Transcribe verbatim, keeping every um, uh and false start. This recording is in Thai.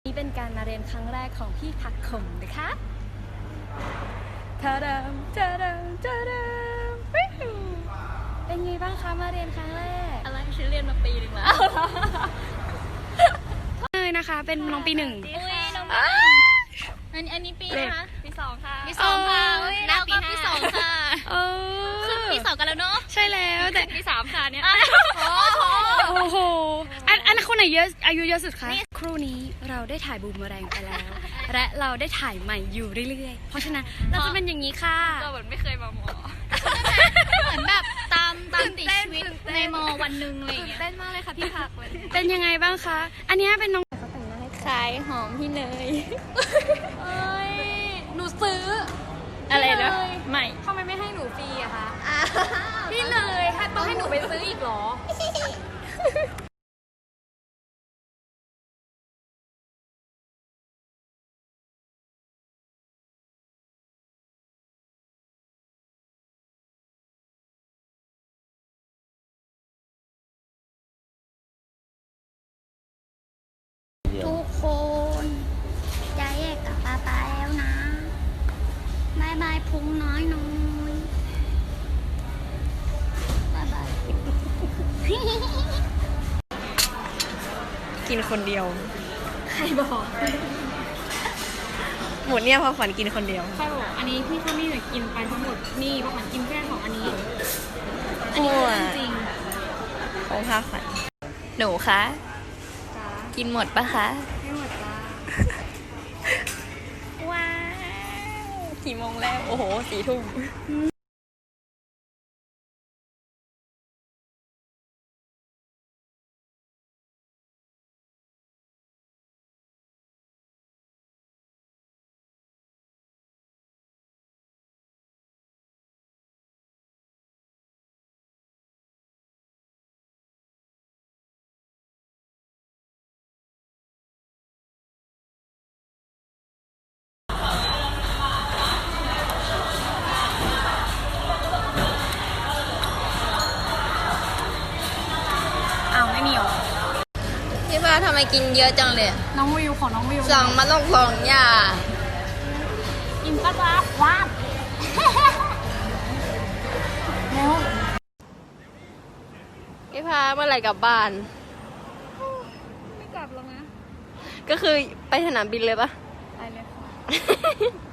นี่เป็นการมาเรียนครั้งแรกของพี่ผักขมนะคะทาดามทาดามทาดามเป็นไงบ้างคะมาเรียนครั้งแรกอะไรฉันเรียนมาปีหนึ่งแล้วเลยนะคะเป็นน้องปีหนึ่งอุ้ยน้องปีอันนี้อันนี้ปีนะคะปีสองค่ะปีสองค่ะเราก็ปีสองค่ะขึ้นปีสองกันแล้วเนาะใช่แล้วแต่ปีสามค่ะเนี่ยโอ้โหอันอันคนไหนเยอะอายุเยอะสุดคะครู่นี้เราได้ถ่ายบูมเมอแรงไปแล้วและเราได้ถ่ายใหม่อยู่เรื่อยๆเพราะฉะนั้นเราจะเป็นอย่างนี้ค่ะก็เหมือนไม่เคยมาหมอเหมือนแบบตามตามติดชีวิตในมอวันหนึ่งอะไรอย่างเงี้ยเต้นมากเลยค่ะพี่ผักเป็นยังไงบ้างคะอันนี้เป็นน้องขายหอมพี่เนยเอ้ยหนูซื้ออะไรนะไม่ทำไมไม่ให้หนูฟรีอะคะพี่เนยต้องให้หนูไปซื้ออีกหรอทุกคนจะแยกกับป๊าป๊าแล้วนะบายบายพุงน้อยน้อยบายบายกินคนเดียวใครบอกหมดเนี่ยพอขวัญกินคนเดียวใครบอกอันนี้พี่เขาไม่ได้กินไปทั้งหมดนี่พอขวัญกินแค่ของอันนี้อันนี้จริงของข้าขวัญหนูคะกินหมดปะคะไม่หมดจ้าว้าวกี่โมงแล้วโอ้โหสี่ทุ่มพี่ฟ้าทำไมกินเยอะจังเลยน้องวิวของน้องวิวสั่งมาต้องสองอย่างกินปลาปลาว้าวแล้วพี่ฟ้าเมื่อไหร่กลับบ้านไม่กลับแล้วนะก็คือไปสนามบินเลยปะไปเลยค่ะ